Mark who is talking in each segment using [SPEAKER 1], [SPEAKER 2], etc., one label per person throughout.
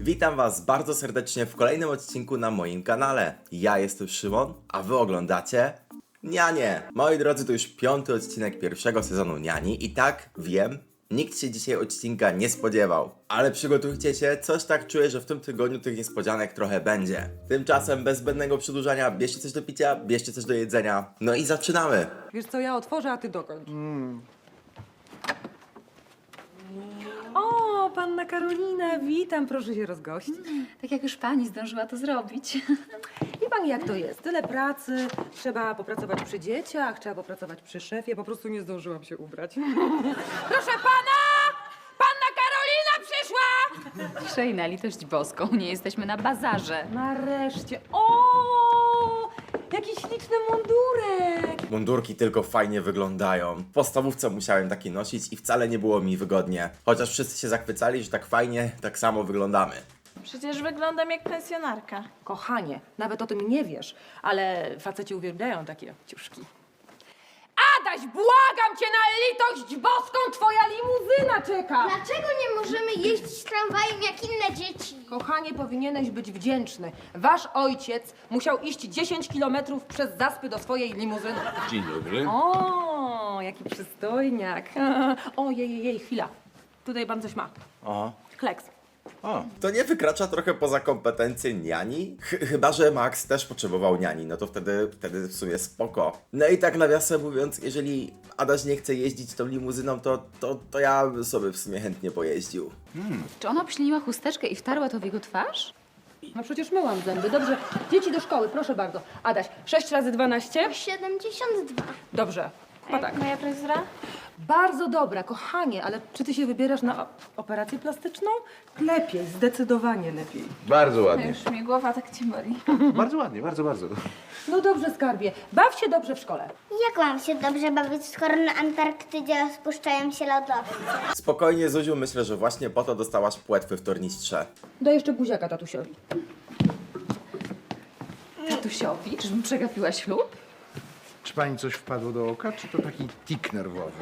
[SPEAKER 1] Witam Was bardzo serdecznie w kolejnym odcinku na moim kanale. Ja jestem Szymon, a Wy oglądacie Nianie. Moi drodzy, to już 5. odcinek pierwszego sezonu Niani i tak, wiem, nikt się dzisiaj odcinka nie spodziewał. Ale przygotujcie się, coś tak czuję, że w tym tygodniu tych niespodzianek trochę będzie. Tymczasem bez zbędnego przedłużania, bierzcie coś do picia, bierzcie coś do jedzenia. No i zaczynamy.
[SPEAKER 2] Wiesz co, ja otworzę, a ty dokończ. O, panna Karolina, witam, proszę się rozgościć.
[SPEAKER 3] Tak jak już pani zdążyła to zrobić.
[SPEAKER 2] Wie pani, jak to jest? Tyle pracy, trzeba popracować przy dzieciach, trzeba popracować przy szefie, po prostu nie zdążyłam się ubrać. Proszę pana! Panna Karolina przyszła!
[SPEAKER 3] Ciszej, na litość boską, nie jesteśmy na bazarze.
[SPEAKER 2] Nareszcie, o! Jaki śliczny mundurek!
[SPEAKER 1] Mundurki tylko fajnie wyglądają. W podstawówce musiałem taki nosić i wcale nie było mi wygodnie. Chociaż wszyscy się zachwycali, że tak fajnie, tak samo wyglądamy.
[SPEAKER 4] Przecież wyglądam jak pensjonarka.
[SPEAKER 2] Kochanie, nawet o tym nie wiesz, ale faceci uwielbiają takie ciuszki. Adaś, błagam cię na litość boską, twoja limuzyna czeka!
[SPEAKER 5] Dlaczego nie możemy jeździć tramwajem jak inne dzieci?
[SPEAKER 2] Kochanie, powinieneś być wdzięczny. Wasz ojciec musiał iść 10 kilometrów przez zaspy do swojej limuzyny.
[SPEAKER 6] Dzień dobry.
[SPEAKER 2] O, jaki przystojniak. O, jej, chwila. Tutaj pan coś ma.
[SPEAKER 1] Aha.
[SPEAKER 2] Kleks.
[SPEAKER 1] To nie wykracza trochę poza kompetencje niani? Chyba że Max też potrzebował niani, no to wtedy w sumie spoko. No i tak nawiasem mówiąc, jeżeli Adaś nie chce jeździć tą limuzyną, to ja bym sobie w sumie chętnie pojeździł.
[SPEAKER 3] Czy ona obśliniła chusteczkę i wtarła to w jego twarz?
[SPEAKER 2] No przecież myłam zęby. Dobrze, dzieci do szkoły, proszę bardzo. Adaś, 6 razy 12?
[SPEAKER 5] 72.
[SPEAKER 2] Dobrze, chyba tak.
[SPEAKER 4] Moja fryzura?
[SPEAKER 2] Bardzo dobra, kochanie, ale czy ty się wybierasz na operację plastyczną? Lepiej, zdecydowanie lepiej.
[SPEAKER 6] Bardzo ładnie.
[SPEAKER 4] Już mnie głowa tak cię boli.
[SPEAKER 6] Bardzo ładnie, bardzo, bardzo.
[SPEAKER 2] No dobrze, skarbie, baw się dobrze w szkole.
[SPEAKER 5] Jak mam się dobrze bawić, skoro na Antarktydzie rozpuszczają się lodowce?
[SPEAKER 1] Spokojnie, Zuziu, myślę, że właśnie po to dostałaś płetwy w tornistrze.
[SPEAKER 2] Daj jeszcze buziaka tatusiowi.
[SPEAKER 3] Tatusiowi? Czyżbym przegapiła ślub?
[SPEAKER 7] Czy pani coś wpadło do oka, czy to taki tik nerwowy?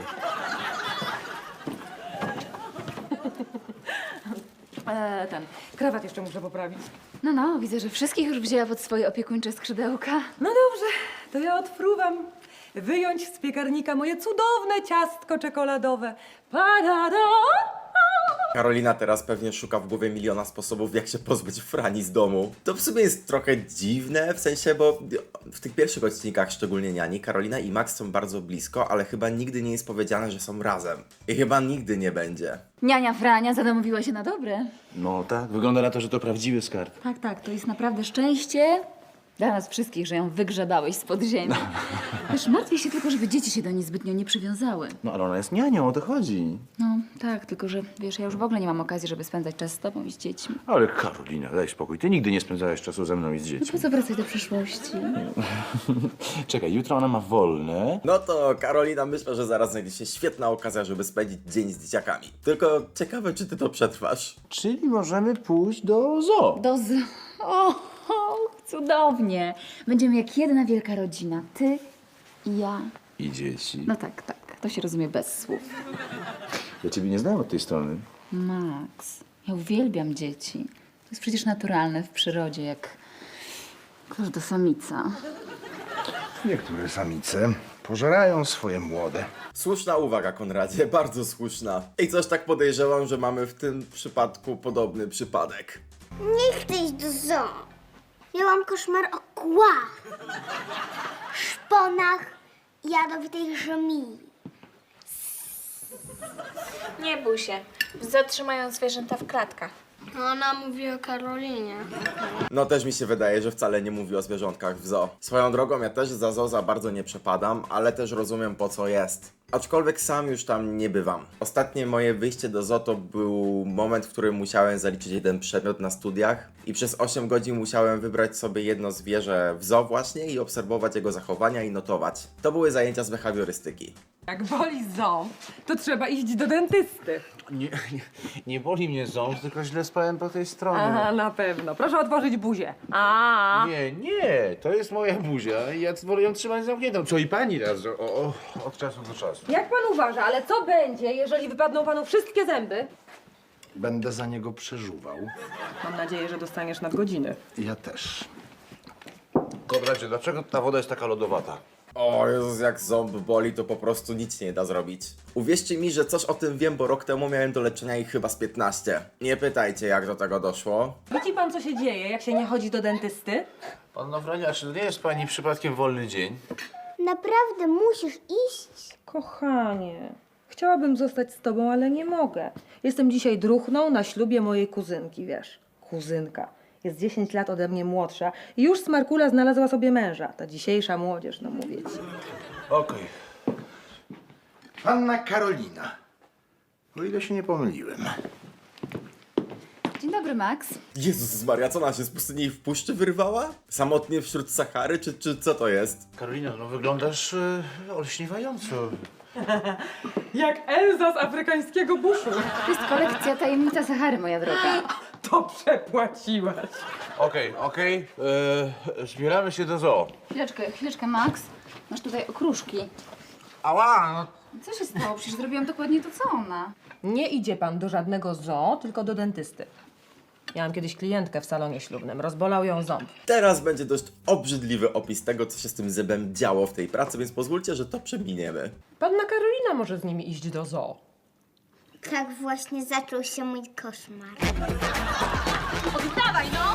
[SPEAKER 2] Ten, krawat jeszcze muszę poprawić.
[SPEAKER 3] No, widzę, że wszystkich już wzięła pod swoje opiekuńcze skrzydełka.
[SPEAKER 2] No dobrze, to ja odfruwam wyjąć z piekarnika moje cudowne ciastko czekoladowe. Pa-da-da!
[SPEAKER 1] Karolina teraz pewnie szuka w głowie miliona sposobów, jak się pozbyć Frani z domu. To w sumie jest trochę dziwne, w sensie, bo w tych pierwszych odcinkach, szczególnie Niani, Karolina i Max są bardzo blisko, ale chyba nigdy nie jest powiedziane, że są razem. I chyba nigdy nie będzie.
[SPEAKER 3] Niania Frania zadomowiła się na dobre.
[SPEAKER 6] No tak, wygląda na to, że to prawdziwy skarb.
[SPEAKER 3] Tak, to jest naprawdę szczęście dla nas wszystkich, że ją wygrzebałeś spod ziemi. Wiesz, martwię się tylko, żeby dzieci się do niej zbytnio nie przywiązały.
[SPEAKER 6] No ale ona jest nianią, o to chodzi.
[SPEAKER 3] No, tak, tylko że, wiesz, ja już w ogóle nie mam okazji, żeby spędzać czas z tobą i z dziećmi.
[SPEAKER 6] Ale Karolina, daj spokój, ty nigdy nie spędzałeś czasu ze mną i z
[SPEAKER 3] No
[SPEAKER 6] dziećmi.
[SPEAKER 3] po co wracać do przeszłości?
[SPEAKER 6] Czekaj, jutro ona ma wolne.
[SPEAKER 1] No to Karolina, myślę, że zaraz znajdzie się świetna okazja, żeby spędzić dzień z dzieciakami. Tylko ciekawe, czy ty to przetrwasz.
[SPEAKER 6] Czyli możemy pójść do zoo.
[SPEAKER 3] O, cudownie. Będziemy jak jedna wielka rodzina. Ty i ja.
[SPEAKER 6] I dzieci.
[SPEAKER 3] No tak, to się rozumie bez słów.
[SPEAKER 6] Ja ciebie nie znałem od tej strony.
[SPEAKER 3] Max, ja uwielbiam dzieci. To jest przecież naturalne w przyrodzie, jak każda samica.
[SPEAKER 7] Niektóre samice pożerają swoje młode.
[SPEAKER 1] Słuszna uwaga, Konradzie, bardzo słuszna. I coś tak podejrzewam, że mamy w tym przypadku podobny przypadek.
[SPEAKER 5] Nie chcę iść do zoo. Miałam koszmar o kłach, szponach i jadowitej żmii.
[SPEAKER 4] Nie bój się. Zatrzymają zwierzęta w klatkach.
[SPEAKER 5] Ona mówi o Karolinie.
[SPEAKER 1] No też mi się wydaje, że wcale nie mówi o zwierzątkach w zoo. Swoją drogą ja też za zoo za bardzo nie przepadam, ale też rozumiem po co jest. Aczkolwiek sam już tam nie bywam. Ostatnie moje wyjście do zoo to był moment, w którym musiałem zaliczyć jeden przedmiot na studiach i przez 8 godzin musiałem wybrać sobie jedno zwierzę w zoo właśnie i obserwować jego zachowania i notować. To były zajęcia z behawiorystyki.
[SPEAKER 2] Jak boli ząb, to trzeba iść do dentysty.
[SPEAKER 6] Nie boli mnie ząb, tylko źle spałem po tej stronie.
[SPEAKER 2] Aha, na pewno. Proszę otworzyć buzię. A.
[SPEAKER 6] Nie, to jest moja buzia i ja wolę ją trzymać zamkniętą. Co i pani raz, od czasu do czasu.
[SPEAKER 2] Jak pan uważa, ale co będzie, jeżeli wypadną panu wszystkie zęby?
[SPEAKER 7] Będę za niego przeżuwał.
[SPEAKER 2] Mam nadzieję, że dostaniesz nadgodziny.
[SPEAKER 7] Ja też.
[SPEAKER 6] Konradzie, dlaczego ta woda jest taka lodowata?
[SPEAKER 1] O Jezus, jak ząb boli, to po prostu nic nie da zrobić. Uwierzcie mi, że coś o tym wiem, bo rok temu miałem do leczenia ich chyba z 15. Nie pytajcie, jak do tego doszło.
[SPEAKER 2] Widzi pan, co się dzieje, jak się nie chodzi do dentysty?
[SPEAKER 6] Panno Frania, czy nie jest pani przypadkiem wolny dzień?
[SPEAKER 5] Naprawdę musisz iść?
[SPEAKER 2] Kochanie, chciałabym zostać z tobą, ale nie mogę. Jestem dzisiaj druhną na ślubie mojej kuzynki, wiesz. Kuzynka. Jest 10 lat ode mnie młodsza i już Smarkula znalazła sobie męża. Ta dzisiejsza młodzież, no mówię ci.
[SPEAKER 6] Okej.
[SPEAKER 7] Panna Karolina. O ile się nie pomyliłem.
[SPEAKER 3] Dzień dobry, Max.
[SPEAKER 1] Jezus Maria, co ona się z pustyni w puszczy wyrwała? Samotnie wśród Sahary, czy co to jest?
[SPEAKER 6] Karolina, no wyglądasz olśniewająco.
[SPEAKER 2] Jak Elza z afrykańskiego buszu.
[SPEAKER 3] To jest kolekcja Tajemnica Sahary, moja droga.
[SPEAKER 2] To przepłaciłaś.
[SPEAKER 6] Okej. Zbieramy się do zoo.
[SPEAKER 3] Chwileczkę, Max. Masz tutaj okruszki.
[SPEAKER 6] Ała, no
[SPEAKER 3] Co się stało? Przecież zrobiłam dokładnie to, co ona.
[SPEAKER 2] Nie idzie pan do żadnego zoo, tylko do dentysty. Miałam kiedyś klientkę w salonie ślubnym. Rozbolał ją ząb.
[SPEAKER 1] Teraz będzie dość obrzydliwy opis tego, co się z tym zębem działo w tej pracy, więc pozwólcie, że to przeminiemy.
[SPEAKER 2] Panna Karolina może z nimi iść do zoo.
[SPEAKER 5] Tak właśnie zaczął się mój koszmar.
[SPEAKER 3] Oddawaj, no!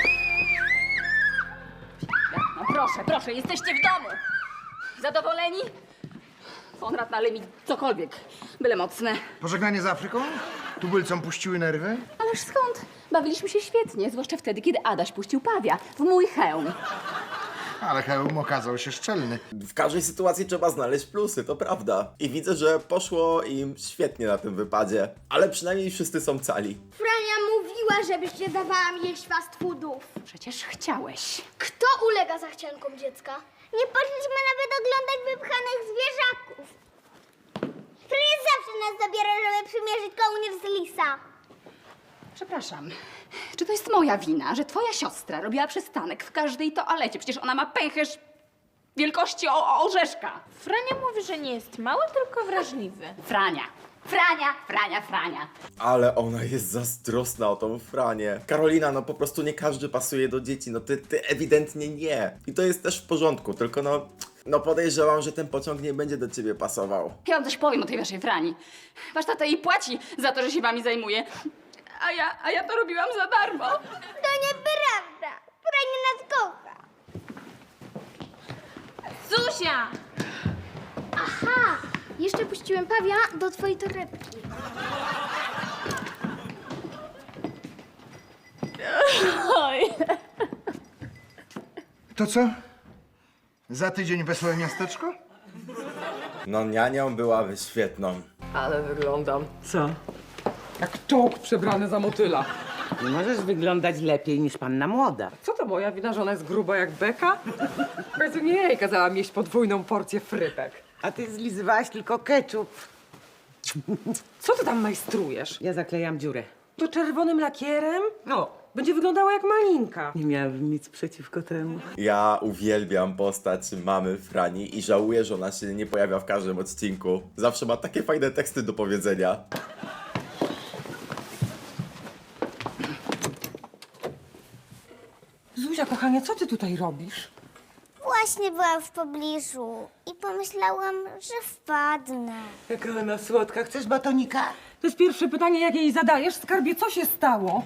[SPEAKER 3] No proszę, jesteście w domu. Zadowoleni? Konrad nale mi cokolwiek, byle mocne.
[SPEAKER 7] Pożegnanie z Afryką? Tubylcom puściły nerwy?
[SPEAKER 3] Ależ skąd? Bawiliśmy się świetnie, zwłaszcza wtedy, kiedy Adaś puścił pawia w mój hełm.
[SPEAKER 7] Ale hełm okazał się szczelny.
[SPEAKER 1] W każdej sytuacji trzeba znaleźć plusy, to prawda. I widzę, że poszło im świetnie na tym wypadzie. Ale przynajmniej wszyscy są cali.
[SPEAKER 5] Frania mówiła, żebyś nie dawała mi jeść fast foodów.
[SPEAKER 3] Przecież chciałeś.
[SPEAKER 5] Kto ulega zachciankom dziecka? Nie poszliśmy nawet oglądać wypchanych zwierzaków. Frania zawsze nas zabiera, żeby przymierzyć kołnierz z lisa.
[SPEAKER 3] Przepraszam. Czy to jest moja wina, że twoja siostra robiła przystanek w każdej toalecie? Przecież ona ma pęcherz wielkości orzeszka.
[SPEAKER 4] Frania mówi, że nie jest mały, tylko wrażliwy.
[SPEAKER 3] Frania. Frania.
[SPEAKER 1] Ale ona jest zazdrosna o tą Franię. Karolina, no po prostu nie każdy pasuje do dzieci, no ty ewidentnie nie. I to jest też w porządku, tylko no podejrzewam, że ten pociąg nie będzie do ciebie pasował.
[SPEAKER 3] Ja wam coś powiem o tej waszej Frani. Wasz tata jej płaci za to, że się wami zajmuje. A ja to robiłam za darmo.
[SPEAKER 5] To nieprawda. Frania nas kocha.
[SPEAKER 4] Zuzia!
[SPEAKER 5] Aha, jeszcze puściłem pawia do twojej torebki.
[SPEAKER 7] To co? Za tydzień wesołe miasteczko?
[SPEAKER 1] No nianią byłaby świetną.
[SPEAKER 2] Ale wyglądam. Co? Jak czołg przebrany za motyla.
[SPEAKER 8] Nie możesz wyglądać lepiej niż panna młoda.
[SPEAKER 2] Co to moja wina, że ona jest gruba jak beka? W końcu nie jej kazałam jeść podwójną porcję frytek.
[SPEAKER 8] A ty zlizywałaś tylko ketchup.
[SPEAKER 2] Co ty tam majstrujesz?
[SPEAKER 8] Ja zaklejam dziurę.
[SPEAKER 2] To czerwonym lakierem?
[SPEAKER 8] No,
[SPEAKER 2] Będzie wyglądała jak malinka.
[SPEAKER 8] nie miałabym nic przeciwko temu.
[SPEAKER 1] Ja uwielbiam postać mamy Frani i żałuję, że ona się nie pojawia w każdym odcinku. Zawsze ma takie fajne teksty do powiedzenia.
[SPEAKER 2] Zuzia, kochanie, co ty tutaj robisz?
[SPEAKER 5] Właśnie byłam w pobliżu i pomyślałam, że wpadnę.
[SPEAKER 8] Jaka ona słodka. Chcesz batonika?
[SPEAKER 2] To jest pierwsze pytanie, jakie jej zadajesz. Skarbie, co się stało?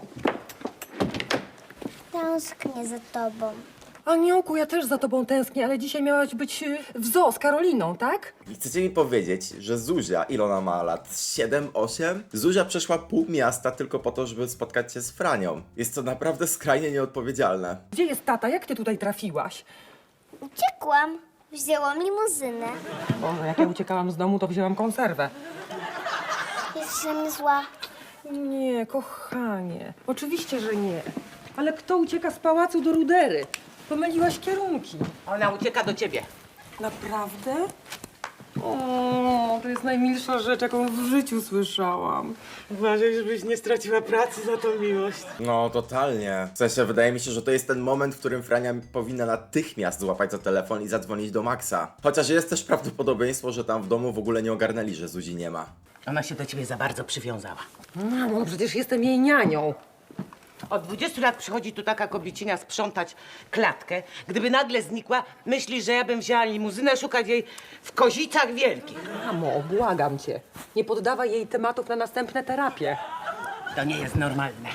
[SPEAKER 5] Tęsknię za tobą.
[SPEAKER 2] Aniołku, ja też za tobą tęsknię, ale dzisiaj miałaś być w zoo z Karoliną, tak?
[SPEAKER 1] I chcecie mi powiedzieć, że Zuzia, ile ona ma lat? 7, 8? Zuzia przeszła pół miasta tylko po to, żeby spotkać się z Franią. Jest to naprawdę skrajnie nieodpowiedzialne.
[SPEAKER 2] Gdzie jest tata? Jak ty tutaj trafiłaś?
[SPEAKER 5] Uciekłam. Wzięłam limuzynę.
[SPEAKER 2] Boże, jak ja uciekałam z domu, to wzięłam konserwę.
[SPEAKER 5] Jesteś na mnie zła.
[SPEAKER 2] Nie, kochanie. Oczywiście, że nie. Ale kto ucieka z pałacu do rudery? Pomyliłaś kierunki.
[SPEAKER 8] Ona ucieka do ciebie.
[SPEAKER 2] Naprawdę? O, to jest najmilsza rzecz, jaką w życiu słyszałam.
[SPEAKER 8] Uważaj, żebyś nie straciła pracy za tą miłość.
[SPEAKER 1] No, totalnie. W sensie, wydaje mi się, że to jest ten moment, w którym Frania powinna natychmiast złapać za telefon i zadzwonić do Maxa. Chociaż jest też prawdopodobieństwo, że tam w domu w ogóle nie ogarnęli, że Zuzi nie ma.
[SPEAKER 8] Ona się do ciebie za bardzo przywiązała.
[SPEAKER 2] Mamo, przecież jestem jej nianią.
[SPEAKER 8] Od 20 lat przychodzi tu taka kobiecina sprzątać klatkę. Gdyby nagle znikła, myślisz, że ja bym wzięła limuzynę szukać jej w Kozicach Wielkich.
[SPEAKER 2] Mamo, błagam cię. Nie poddawaj jej tematów na następne terapie.
[SPEAKER 8] To nie jest normalne.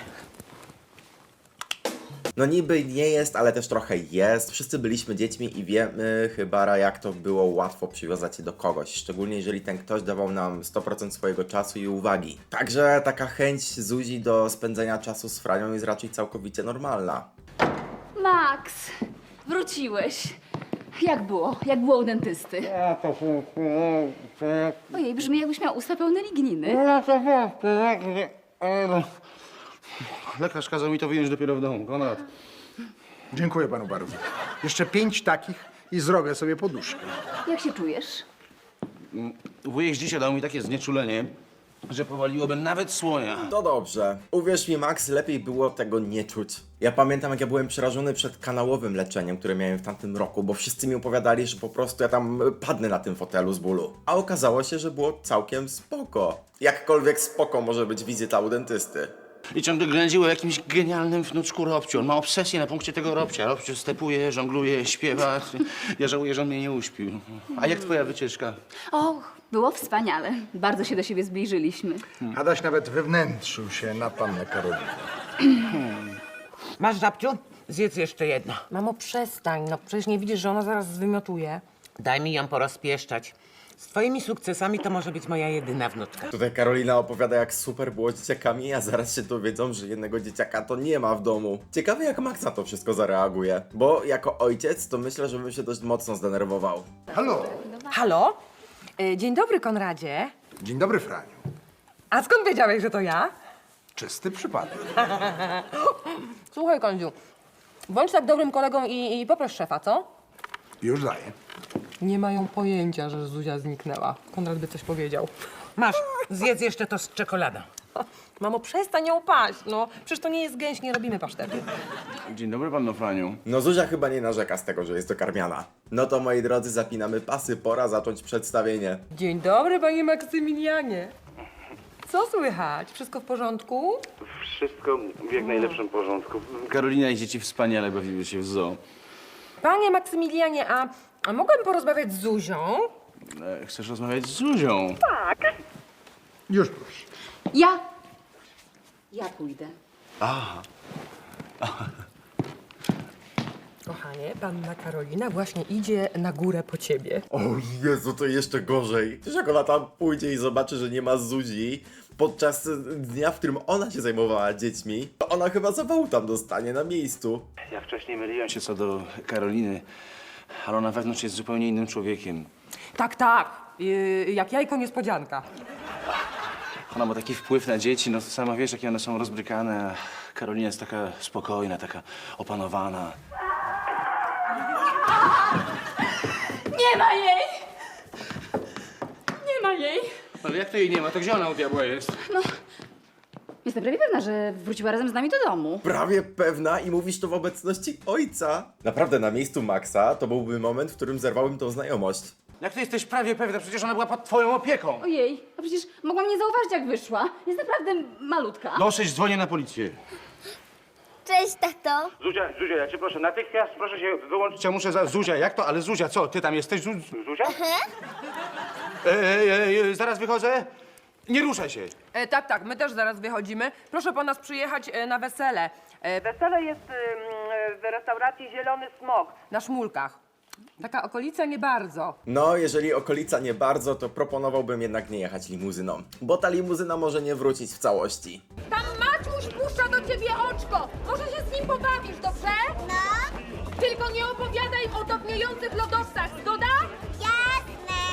[SPEAKER 1] No niby nie jest, ale też trochę jest. Wszyscy byliśmy dziećmi i wiemy chyba, jak to było łatwo przywiązać się do kogoś. Szczególnie jeżeli ten ktoś dawał nam 100% swojego czasu i uwagi. Także taka chęć Zuzi do spędzenia czasu z Franią jest raczej całkowicie normalna.
[SPEAKER 3] Max, wróciłeś. Jak było? Jak było u dentysty? Ojej, brzmi jakbyś miał usta pełne ligniny.
[SPEAKER 6] Lekarz kazał mi to wyjąć dopiero w domu. Konrad.
[SPEAKER 7] Dziękuję panu bardzo. Jeszcze 5 takich i zrobię sobie poduszkę.
[SPEAKER 3] Jak się czujesz?
[SPEAKER 6] Wujek dzisiaj dał mi takie znieczulenie, że powaliłoby nawet słonia.
[SPEAKER 1] To dobrze. Uwierz mi, Max, lepiej było tego nie czuć. Ja pamiętam, jak ja byłem przerażony przed kanałowym leczeniem, które miałem w tamtym roku, bo wszyscy mi opowiadali, że po prostu ja tam padnę na tym fotelu z bólu. A okazało się, że było całkiem spoko. Jakkolwiek spoko może być wizyta u dentysty.
[SPEAKER 6] I ciągle ględził o jakimś genialnym wnuczku Robciu. On ma obsesję na punkcie tego Robcia. Robciu stepuje, żongluje, śpiewa. Ja żałuję, że on mnie nie uśpił. A jak twoja wycieczka?
[SPEAKER 3] Och, było wspaniale. Bardzo się do siebie zbliżyliśmy.
[SPEAKER 7] Adaś nawet wewnętrzył się na pannę Karolinę.
[SPEAKER 8] Masz, Żabciu? Zjedz jeszcze jedno.
[SPEAKER 2] Mamo, przestań. No przecież nie widzisz, że ona zaraz zwymiotuje.
[SPEAKER 8] Daj mi ją porozpieszczać. Z twoimi sukcesami to może być moja jedyna wnuczka.
[SPEAKER 1] Tutaj Karolina opowiada, jak super było z dzieciakami, a zaraz się dowiedzą, że jednego dzieciaka to nie ma w domu. Ciekawe, jak Max na to wszystko zareaguje. Bo jako ojciec to myślę, że bym się dość mocno zdenerwował.
[SPEAKER 7] Halo.
[SPEAKER 2] Halo? Dzień dobry, Konradzie.
[SPEAKER 7] Dzień dobry, Franiu.
[SPEAKER 2] A skąd wiedziałeś, że to ja?
[SPEAKER 7] Czysty przypadek.
[SPEAKER 2] Słuchaj, Kondziu, bądź tak dobrym kolegą i poproś szefa, co?
[SPEAKER 7] Już daję.
[SPEAKER 2] Nie mają pojęcia, że Zuzia zniknęła. Konrad by coś powiedział.
[SPEAKER 8] Masz, zjedz jeszcze to z czekoladą.
[SPEAKER 2] Mamo, przestań ją paść, no. Przecież to nie jest gęś, nie robimy pasztetu.
[SPEAKER 6] Dzień dobry, panno Franiu.
[SPEAKER 1] No Zuzia chyba nie narzeka z tego, że jest dokarmiana. No to moi drodzy, zapinamy pasy, pora zacząć przedstawienie.
[SPEAKER 2] Dzień dobry, panie Maksymilianie. Co słychać? Wszystko w porządku?
[SPEAKER 6] Wszystko w jak najlepszym porządku. Karolina i dzieci wspaniale bawiły się w zoo.
[SPEAKER 2] Panie Maksymilianie, a mogłem porozmawiać z Zuzią?
[SPEAKER 6] Chcesz rozmawiać z Zuzią?
[SPEAKER 7] Już proszę.
[SPEAKER 3] Ja pójdę.
[SPEAKER 2] Kochanie, panna Karolina właśnie idzie na górę po ciebie.
[SPEAKER 1] O Jezu, to jeszcze gorzej. Przecież jak ona tam pójdzie i zobaczy, że nie ma Zuzi podczas dnia, w którym ona się zajmowała dziećmi, to ona chyba zawału tam dostanie na miejscu.
[SPEAKER 6] Ja wcześniej myliłem się co do Karoliny, ale ona wewnątrz jest zupełnie innym człowiekiem.
[SPEAKER 2] Tak, tak. Jak jajko niespodzianka.
[SPEAKER 6] Ona ma taki wpływ na dzieci, no sama wiesz, jakie one są rozbrykane, a Karolina jest taka spokojna, taka opanowana.
[SPEAKER 3] Nie ma jej! Nie ma jej!
[SPEAKER 6] Ale jak to jej nie ma, to gdzie ona u diabła jest?
[SPEAKER 3] Jestem prawie pewna, że wróciła razem z nami do domu.
[SPEAKER 1] Prawie pewna i mówisz to w obecności ojca. Naprawdę na miejscu Maxa to byłby moment, w którym zerwałem tą znajomość.
[SPEAKER 6] Jak ty jesteś prawie pewna? Przecież ona była pod twoją opieką.
[SPEAKER 3] Ojej, a przecież mogłam nie zauważyć, jak wyszła. Jest naprawdę malutka.
[SPEAKER 6] Dosyć, dzwonię na policję.
[SPEAKER 5] Cześć, tato.
[SPEAKER 6] Zuzia, ja cię proszę, natychmiast proszę się wyłączyć. Ja muszę Zuzia, jak to? Ale Zuzia, co? Ty tam jesteś, Zuzia? Zaraz wychodzę. Nie ruszaj się.
[SPEAKER 2] Tak, tak, my też zaraz wychodzimy. Proszę po nas przyjechać na wesele. Wesele jest w restauracji Zielony Smok na Szmulkach. Taka okolica nie bardzo.
[SPEAKER 1] No, jeżeli okolica nie bardzo, to proponowałbym jednak nie jechać limuzyną, bo ta limuzyna może nie wrócić w całości.
[SPEAKER 2] Tam Maciuś puszcza do ciebie oczko. Może się z nim pobawisz, dobrze?
[SPEAKER 5] No,
[SPEAKER 2] Tylko nie opowiadaj o topniejących lodowcach, zgoda?
[SPEAKER 5] jasne.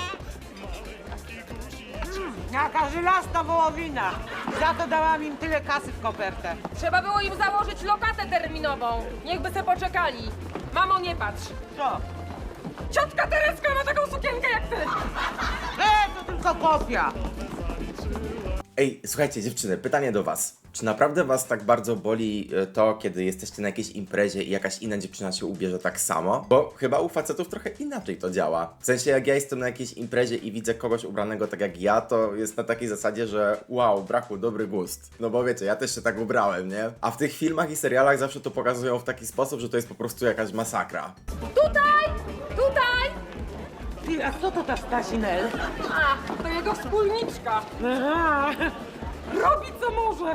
[SPEAKER 8] Jaka żelazna wołowina. Za to dałam im tyle kasy w kopertę.
[SPEAKER 2] Trzeba było im założyć lokatę terminową. Niechby se poczekali. Mamo, nie patrz.
[SPEAKER 8] Co?
[SPEAKER 2] Ciotka Tereska ma taką sukienkę jak ty.
[SPEAKER 8] To tylko kopia.
[SPEAKER 1] Ej, słuchajcie, dziewczyny, pytanie do was. Czy naprawdę was tak bardzo boli to, kiedy jesteście na jakiejś imprezie i jakaś inna dziewczyna się ubierze tak samo? Bo chyba u facetów trochę inaczej to działa. W sensie, jak ja jestem na jakiejś imprezie i widzę kogoś ubranego tak jak ja, to jest na takiej zasadzie, że wow, brachu, dobry gust. No bo wiecie, ja też się tak ubrałem, nie? A w tych filmach i serialach zawsze to pokazują w taki sposób, że to jest po prostu jakaś masakra.
[SPEAKER 2] Tutaj!
[SPEAKER 8] Ty, a co to ta Stasinel?
[SPEAKER 2] A, to jego wspólniczka.
[SPEAKER 8] Aha.
[SPEAKER 2] Robi co może.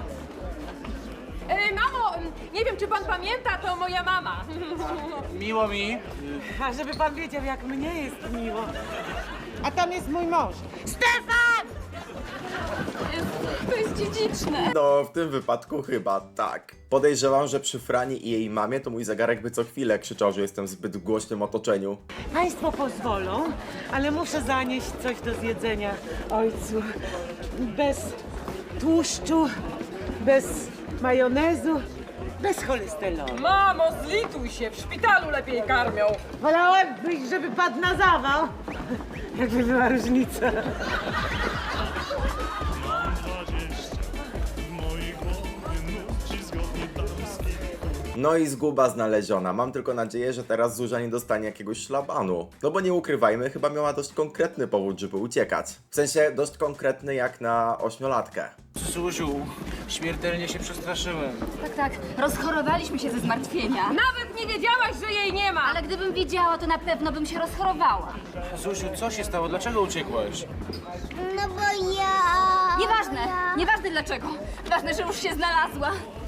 [SPEAKER 2] Mamo, nie wiem, czy pan pamięta, to moja mama.
[SPEAKER 6] Miło mi.
[SPEAKER 8] A żeby pan wiedział, jak mnie jest miło. A tam jest mój mąż. Stefan!
[SPEAKER 3] To jest dziedziczne.
[SPEAKER 1] No, w tym wypadku chyba tak. Podejrzewam, że przy Frani i jej mamie to mój zegarek by co chwilę krzyczał, że jestem w zbyt głośnym otoczeniu.
[SPEAKER 8] Państwo pozwolą, ale muszę zanieść coś do zjedzenia ojcu. Bez tłuszczu, bez majonezu, bez cholesterolu.
[SPEAKER 2] Mamo, zlituj się, w szpitalu lepiej karmią.
[SPEAKER 8] Wolałem być, żeby padł na zawał. Jakby była różnica.
[SPEAKER 1] No i zguba znaleziona. Mam tylko nadzieję, że teraz Zuzia nie dostanie jakiegoś szlabanu. No bo nie ukrywajmy, chyba miała dość konkretny powód, żeby uciekać. W sensie dość konkretny jak na 8-latkę.
[SPEAKER 6] Zuziu, śmiertelnie się przestraszyłem.
[SPEAKER 3] Tak, rozchorowaliśmy się ze zmartwienia.
[SPEAKER 2] Nawet nie wiedziałaś, że jej nie ma.
[SPEAKER 3] Ale gdybym wiedziała, to na pewno bym się rozchorowała.
[SPEAKER 6] Zuziu, co się stało? Dlaczego uciekłaś?
[SPEAKER 5] No bo ja...
[SPEAKER 3] Nieważne dlaczego. Ważne, że już się znalazła.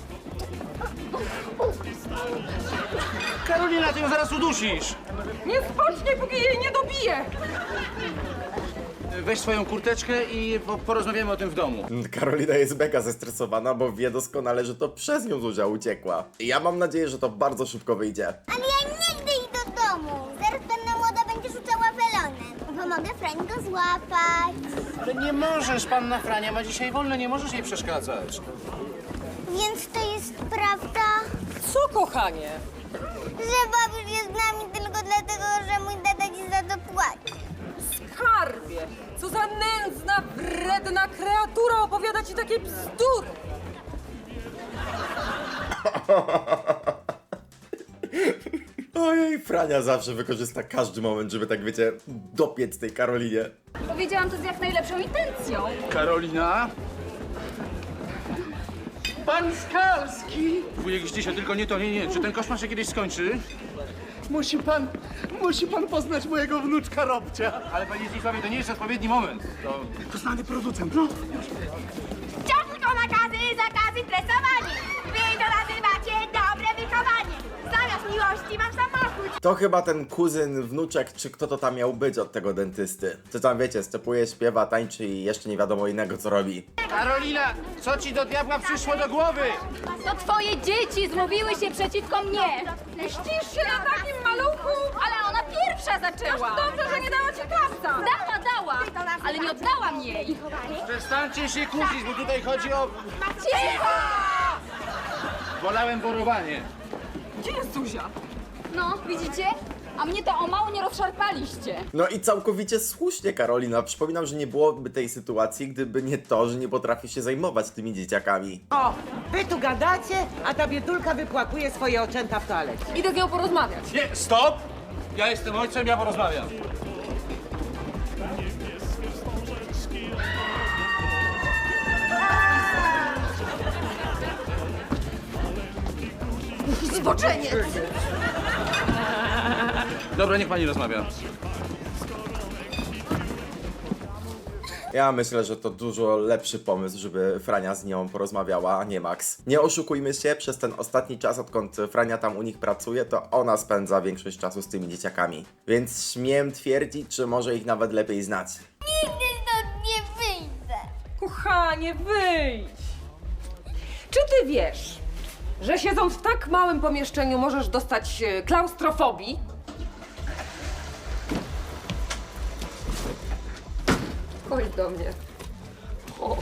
[SPEAKER 6] Karolina, ty ją zaraz udusisz!
[SPEAKER 2] Nie spocznie, póki jej nie dobije.
[SPEAKER 6] Weź swoją kurteczkę i porozmawiamy o tym w domu.
[SPEAKER 1] Karolina jest mega zestresowana, bo wie doskonale, że to przez nią Zuzia uciekła. I ja mam nadzieję, że to bardzo szybko wyjdzie.
[SPEAKER 5] Ale ja nie chcę iść do domu. Zaraz panna młoda będzie rzucała welonem. Pomogę Frań go złapać.
[SPEAKER 6] Ale nie możesz, panna Frania ma dzisiaj wolne, nie możesz jej przeszkadzać.
[SPEAKER 5] Więc to jest prawda,
[SPEAKER 2] Co, kochanie?
[SPEAKER 5] że babiusz jest z nami tylko dlatego, że mój tata ci za to płaci.
[SPEAKER 2] Skarbie, co za nędzna, wredna kreatura opowiada ci takie bzdury.
[SPEAKER 1] Ojej, Frania zawsze wykorzysta każdy moment, żeby tak wiecie, dopiec tej Karolinie.
[SPEAKER 3] Powiedziałam to z jak najlepszą intencją.
[SPEAKER 6] Karolina? Pan Skalski! Wujek Zdzisio, tylko nie to, nie. Czy ten koszmar się kiedyś skończy?
[SPEAKER 9] Musi pan poznać mojego wnuczka Robcia.
[SPEAKER 6] Ale panie Zdzisławie, to nie jest odpowiedni moment.
[SPEAKER 9] To znany producent, no.
[SPEAKER 5] Wciąż tylko nakazy, zakazy, tresowanie. Wy to nazywacie dobre wychowanie. Zamiast miłości mam samochód.
[SPEAKER 1] To chyba ten kuzyn, wnuczek, czy kto to tam miał być od tego dentysty. Co tam wiecie, stepuje, śpiewa, tańczy i jeszcze nie wiadomo innego co robi.
[SPEAKER 6] Karolina, co ci do diabła przyszło do głowy?
[SPEAKER 3] To twoje dzieci zmówiły się przeciwko mnie.
[SPEAKER 2] Mścisz się na takim maluchu?
[SPEAKER 3] Ale ona pierwsza zaczęła.
[SPEAKER 2] Dobrze, że nie dała ci klapsa.
[SPEAKER 3] Dała, ale nie oddałam jej.
[SPEAKER 6] Przestańcie się kłócić, bo tutaj chodzi o...
[SPEAKER 3] Cicho!
[SPEAKER 6] Wolałem borowanie.
[SPEAKER 2] Gdzie jest Zuzia?
[SPEAKER 3] No, widzicie? A mnie to o mało nie rozszarpaliście.
[SPEAKER 1] No i całkowicie słusznie, Karolina. Przypominam, że nie byłoby tej sytuacji, gdyby nie to, że nie potrafi się zajmować tymi dzieciakami.
[SPEAKER 8] O, wy tu gadacie, a ta biedulka wypłakuje swoje oczęta w toalecie.
[SPEAKER 2] Idę z nią porozmawiać.
[SPEAKER 6] Nie, stop! Ja jestem ojcem, ja porozmawiam.
[SPEAKER 2] Zboczenie!
[SPEAKER 6] Dobra, niech pani rozmawia.
[SPEAKER 1] Ja myślę, że to dużo lepszy pomysł, żeby Frania z nią porozmawiała, a nie Max. Nie oszukujmy się, przez ten ostatni czas, odkąd Frania tam u nich pracuje, to ona spędza większość czasu z tymi dzieciakami. Więc śmiem twierdzić, że może ich nawet lepiej znać.
[SPEAKER 5] Nigdy stąd nie wyjdę.
[SPEAKER 2] Kochanie, wyjdź! Czy ty wiesz, że siedząc w tak małym pomieszczeniu możesz dostać klaustrofobii? Chodź do mnie. Chodź.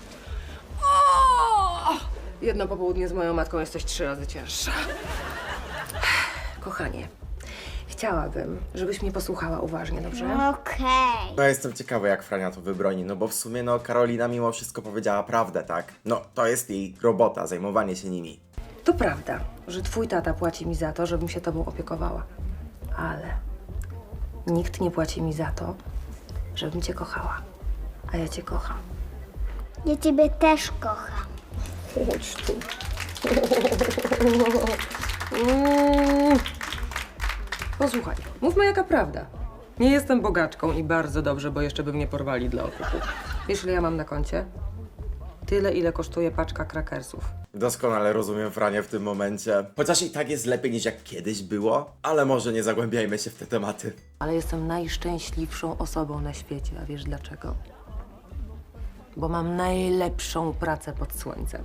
[SPEAKER 2] O! Jedno popołudnie z moją matką jesteś 3 razy cięższa. Kochanie, Chciałabym, żebyś mnie posłuchała uważnie, dobrze?
[SPEAKER 5] Okej.
[SPEAKER 1] No jestem ciekawy, jak Frania to wybroni, no bo w sumie no Karolina mimo wszystko powiedziała prawdę, tak? No to jest jej robota, zajmowanie się nimi.
[SPEAKER 2] To prawda, że twój tata płaci mi za to, żebym się tobą opiekowała. Ale nikt nie płaci mi za to, żebym cię kochała. A ja cię kocham.
[SPEAKER 5] Ja ciebie też kocham.
[SPEAKER 2] Chodź tu. Posłuchaj, mówmy jaka prawda. Nie jestem bogaczką i bardzo dobrze, bo jeszcze by mnie porwali dla okupu. Wiesz, ile ja mam na koncie? Tyle, ile kosztuje paczka krakersów.
[SPEAKER 1] Doskonale rozumiem Franię w tym momencie. Chociaż i tak jest lepiej niż jak kiedyś było, ale może nie zagłębiajmy się w te tematy.
[SPEAKER 2] Ale jestem najszczęśliwszą osobą na świecie, a wiesz dlaczego? Bo mam najlepszą pracę pod słońcem.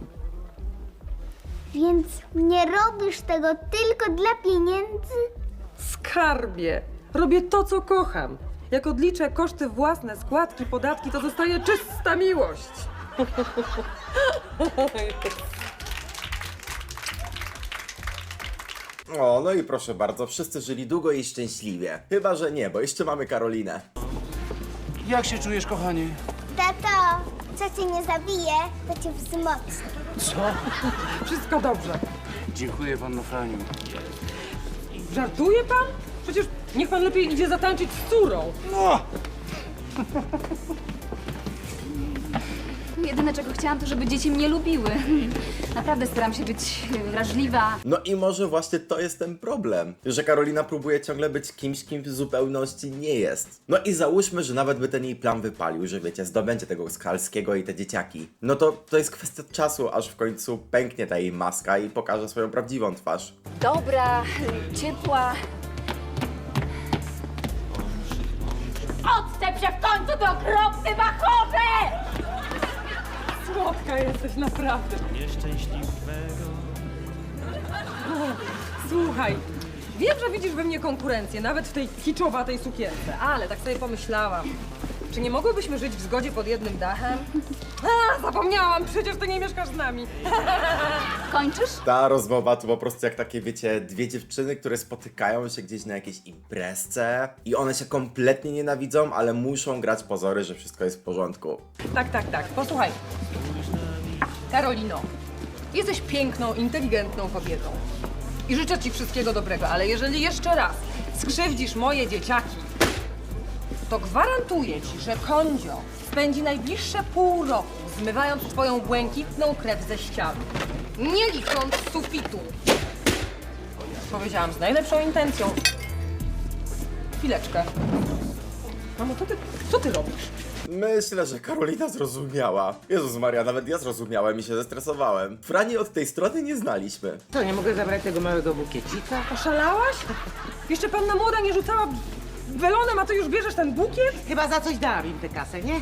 [SPEAKER 5] Więc nie robisz tego tylko dla pieniędzy?
[SPEAKER 2] Skarbie! Robię to, co kocham. Jak odliczę koszty własne, składki, podatki, to zostaje czysta miłość.
[SPEAKER 1] O, no i proszę bardzo, wszyscy żyli długo i szczęśliwie. Chyba, że nie, bo jeszcze mamy Karolinę.
[SPEAKER 6] Jak się czujesz, kochanie?
[SPEAKER 5] Tato, co cię nie zabije, to cię wzmocni.
[SPEAKER 2] Wszystko dobrze.
[SPEAKER 6] Dziękuję, panno Franiu.
[SPEAKER 2] Żartuje pan? Przecież niech pan lepiej idzie zatańczyć z córą.
[SPEAKER 3] Jedyne, czego chciałam, to żeby dzieci mnie lubiły. Naprawdę staram się być wrażliwa.
[SPEAKER 1] No i może właśnie to jest ten problem, że Karolina próbuje ciągle być kimś, kim w zupełności nie jest. No i załóżmy, że nawet by ten jej plan wypalił, że wiecie, zdobędzie tego Skalskiego i te dzieciaki. No to jest kwestia czasu, aż w końcu pęknie ta jej maska i pokaże swoją prawdziwą twarz.
[SPEAKER 3] Dobra, ciepła. Odstęp się w końcu, do okropny bachorze!
[SPEAKER 2] Słodka jesteś, naprawdę. Słuchaj, wiem, że widzisz we mnie konkurencję, nawet w tej kiczowatej sukience, ale tak sobie pomyślałam, czy nie mogłybyśmy żyć w zgodzie pod jednym dachem? Zapomniałam, przecież ty nie mieszkasz z nami.
[SPEAKER 3] Kończysz?
[SPEAKER 1] Ta rozmowa to po prostu jak takie, wiecie, dwie dziewczyny, które spotykają się gdzieś na jakiejś imprezce i one się kompletnie nienawidzą, ale muszą grać pozory, że wszystko jest w porządku.
[SPEAKER 2] Tak, posłuchaj. Karolino, jesteś piękną, inteligentną kobietą i życzę ci wszystkiego dobrego, ale jeżeli jeszcze raz skrzywdzisz moje dzieciaki, to gwarantuję ci, że Kondzio spędzi najbliższe pół roku zmywając twoją błękitną krew ze ścian, nie licząc sufitu. Powiedziałam z najlepszą intencją. Chwileczkę. Mamo, co ty robisz?
[SPEAKER 1] Myślę, że Karolina zrozumiała. Jezus Maria, nawet ja zrozumiałem i się zestresowałem. Frani od tej strony nie znaliśmy.
[SPEAKER 8] To nie mogę zabrać tego małego bukiecika?
[SPEAKER 2] Oszalałaś? Jeszcze panna młoda nie rzucała welonem, a ty już bierzesz ten bukiet?
[SPEAKER 8] Chyba za coś dałam im tę kasę, nie?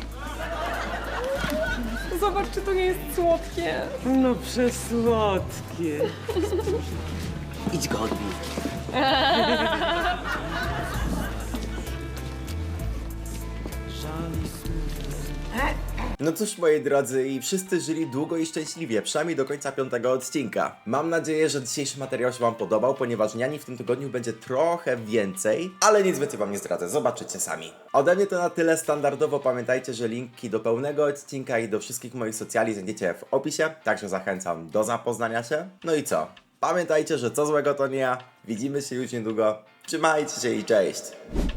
[SPEAKER 2] Zobacz, czy to nie jest słodkie.
[SPEAKER 8] No przesłodkie. Idź go odbij.
[SPEAKER 1] No cóż, moi drodzy, i wszyscy żyli długo i szczęśliwie, przynajmniej do końca 5. odcinka. Mam nadzieję, że dzisiejszy materiał się wam podobał, ponieważ niani w tym tygodniu będzie trochę więcej, ale nic więcej wam nie zdradzę, zobaczycie sami. Ode mnie to na tyle. Standardowo pamiętajcie, że linki do pełnego odcinka i do wszystkich moich socjali znajdziecie w opisie, także zachęcam do zapoznania się. No i co? Pamiętajcie, że co złego to nie ja. Widzimy się już niedługo. Trzymajcie się i cześć!